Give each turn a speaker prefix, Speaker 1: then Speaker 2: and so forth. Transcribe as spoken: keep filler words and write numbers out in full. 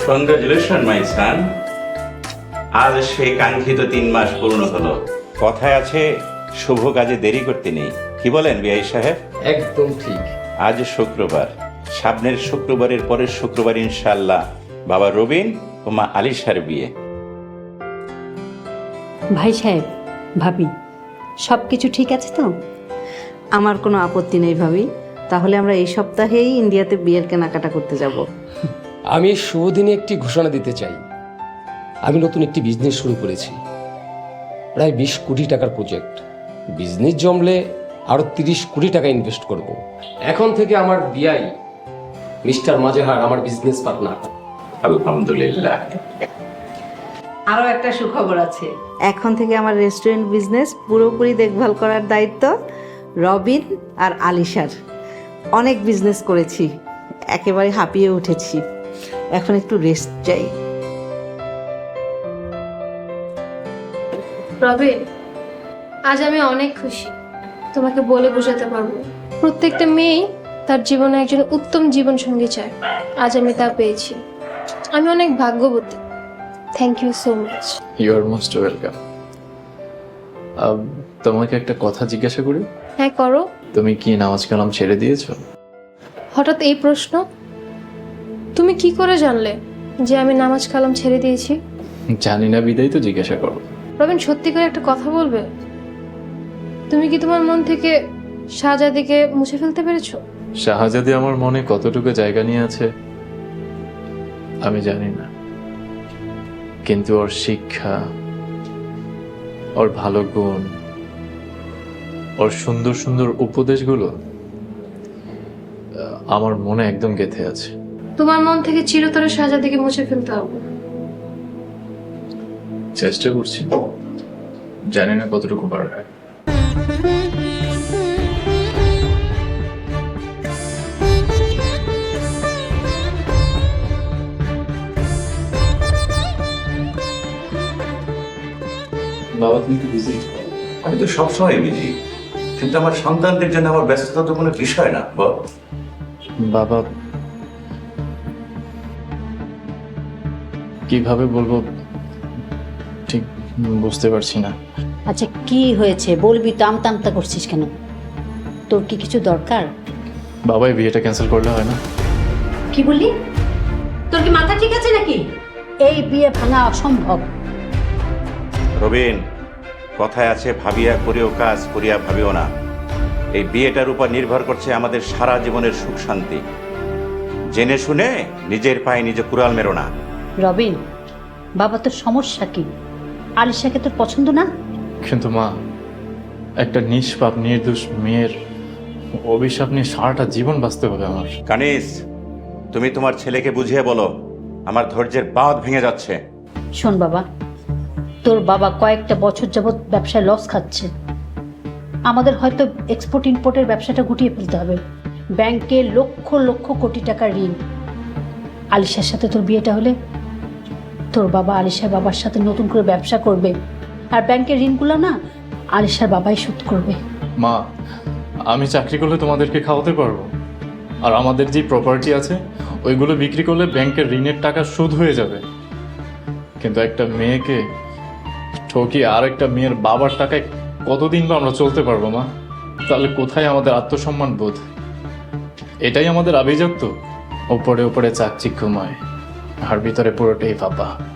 Speaker 1: Congratulation মাই সান, আজ সেই কাঙ্ক্ষিত তিন মাস পূর্ণ হলো। কথায় আছে শুভ কাজে দেরি করতে নেই, কি বলেন বিআই সাহেব?
Speaker 2: একদম ঠিক।
Speaker 1: আজ শুক্রবার, সামনের শুক্রবারের পরের শুক্রবার ইনশাআল্লাহ বাবা রবিন ও মা আলিশার বিয়ে।
Speaker 3: ভাই সাহেব, ভাবি, সব কিছু ঠিক আছে তো?
Speaker 4: আমার কোনো আপত্তি নেই ভাবি। তাহলে আমরা এই সপ্তাহেই ইন্ডিয়াতে বিয়ের কেনাকাটা করতে যাব।
Speaker 2: আমি এই শুভ দিনে একটি ঘোষণা দিতে চাই। আমি নতুন একটি বিজনেস শুরু করেছি, প্রায় বিশ কোটি টাকার প্রজেক্ট। বিজনেস জমলে আরো তিরিশ কোটি টাকা ইনভেস্ট করব। এখন থেকে আমার বিআই মিস্টার মাজেহার আমার বিজনেস পার্টনার।
Speaker 1: আলহামদুলিল্লাহ।
Speaker 4: আরও একটা সুখবর আছে, এখন থেকে আমার রেস্টুরেন্ট বিজনেস পুরোপুরি দেখভাল করার দায়িত্ব রবিন আর আলিশার। অনেক বিজনেস করেছি, একেবারে হাঁপিয়ে উঠেছি, এখন একটু রেস্ট চাই।
Speaker 5: রবিন, আজ আমি অনেক খুশি, তোমাকে বলে বোঝাতে পারবো না। প্রত্যেকটা মেয়েই তার জীবনে একজন উত্তম জীবন সঙ্গী চায়, আজ আমি তা পেয়েছি। আমি অনেক ভাগ্যবতী। Thank you so much.
Speaker 6: You are most welcome. তোমাকে একটা কথা জিজ্ঞাসা করি?
Speaker 5: হ্যাঁ, করো।
Speaker 6: তুমি কি নামাজ কালাম ছেড়ে দিয়েছো?
Speaker 5: হঠাৎ এই প্রশ্ন? তুমি কি করে জানলে যে আমি নামাজ কালাম ছেড়ে দিয়েছি?
Speaker 6: জানি না বিদায় তো জিজ্ঞাসা করো।
Speaker 5: রবিন, সত্যি করে একটা কথা বলবে? তুমি কি তোমার মন থেকে শাহজাদিকে মুছে ফেলতে পেরেছো?
Speaker 6: শাহজাদি আমার মনে কতটুকু জায়গা নিয়ে আছে আমি জানি না, কিন্তু ওর শিক্ষা, ওর ভালো গুণ, ওর সুন্দর সুন্দর উপদেশগুলো আমার মনে একদম গেঁথে আছে।
Speaker 5: তোমার মন থেকে চিরতরে শাহজাদিকে মুছে ফেলতে হবে।
Speaker 6: চেষ্টা করছি, জানি না কতটুকু পারবে। বাবা, তুমি কি বিজি?
Speaker 1: আমি তো সবসময় বিজি, কিন্তু আমার সন্তানদের জন্য আমার ব্যস্ততা তো কোনো বিষয় না। বল।
Speaker 6: বাবা, কিভাবে বলবো ঠিক বুঝতে পারছি না।
Speaker 3: আচ্ছা, কি হয়েছে বলবি তো? আমতা আমতা করছিস কেন? তোর কি কিছু দরকার?
Speaker 6: বাবা, এই বিয়েটা ক্যান্সেল করলে হয় না?
Speaker 3: কি বললি? তোর কি মাথা ঠিক আছে নাকি? এই বিয়ে ভাঙা অসম্ভব।
Speaker 1: রবিন, কথায় আছে ভাবিয়া করিও কাজ, করিয়া ভাবিও না। এই বিয়েটার উপর নির্ভর করছে আমাদের সারা জীবনের সুখ শান্তি। জেনে শুনে নিজের পায়ে নিজে কুড়াল মেরো না।
Speaker 3: রবিন, বাবা, তোর সমস্যা কি? আলিশাকে তোর পছন্দ না?
Speaker 6: কিন্তু মা, একটা নিষ্পাপ নির্দোষ মেয়ের অভিশাপ নিয়ে সারাটা জীবন বাঁচতে হবে আমার।
Speaker 1: কানিস, তুমি তোমার ছেলেকে বুঝিয়ে বলো, আমার ধৈর্যের বাঁধ ভেঙে যাচ্ছে।
Speaker 3: শোন বাবা, তোর বাবা কয়েকটা বছর যাবৎ ব্যবসায় লস খাচ্ছে। আমাদের হয়তো এক্সপোর্ট ইম্পোর্টের ব্যবসাটা গুটিয়ে ফেলতে হবে। ব্যাংকে লক্ষ লক্ষ কোটি টাকার ঋণ। আলিশার সাথে তোর বিয়েটা হলে তোর বাবা আলিশার বাবার সাথে নতুন করে ব্যবসা করবে, আর ব্যাংকের ঋণগুলো না আলিশার বাবাই শোধ করবে।
Speaker 6: মা, আমি চাকরি করলে তোমাদেরকে খাওয়াতে পারবো, আর আমাদের যে প্রপার্টি আছে ওইগুলো বিক্রি করলে ব্যাংকের ঋণের টাকা শোধ হয়ে যাবে। কিন্তু একটা মেয়েকে ঠকিয়ে আর একটা মেয়ের বাবার টাকায় কতদিন বা আমরা চলতে পারবো মা? তাহলে কোথায় আমাদের আত্মসম্মান বোধ? এটাই আমাদের আভিজাত্য। ওপরে ওপরে চাকচিক্যময়, আর ভিতরে পুরোটাই ফাঁপা।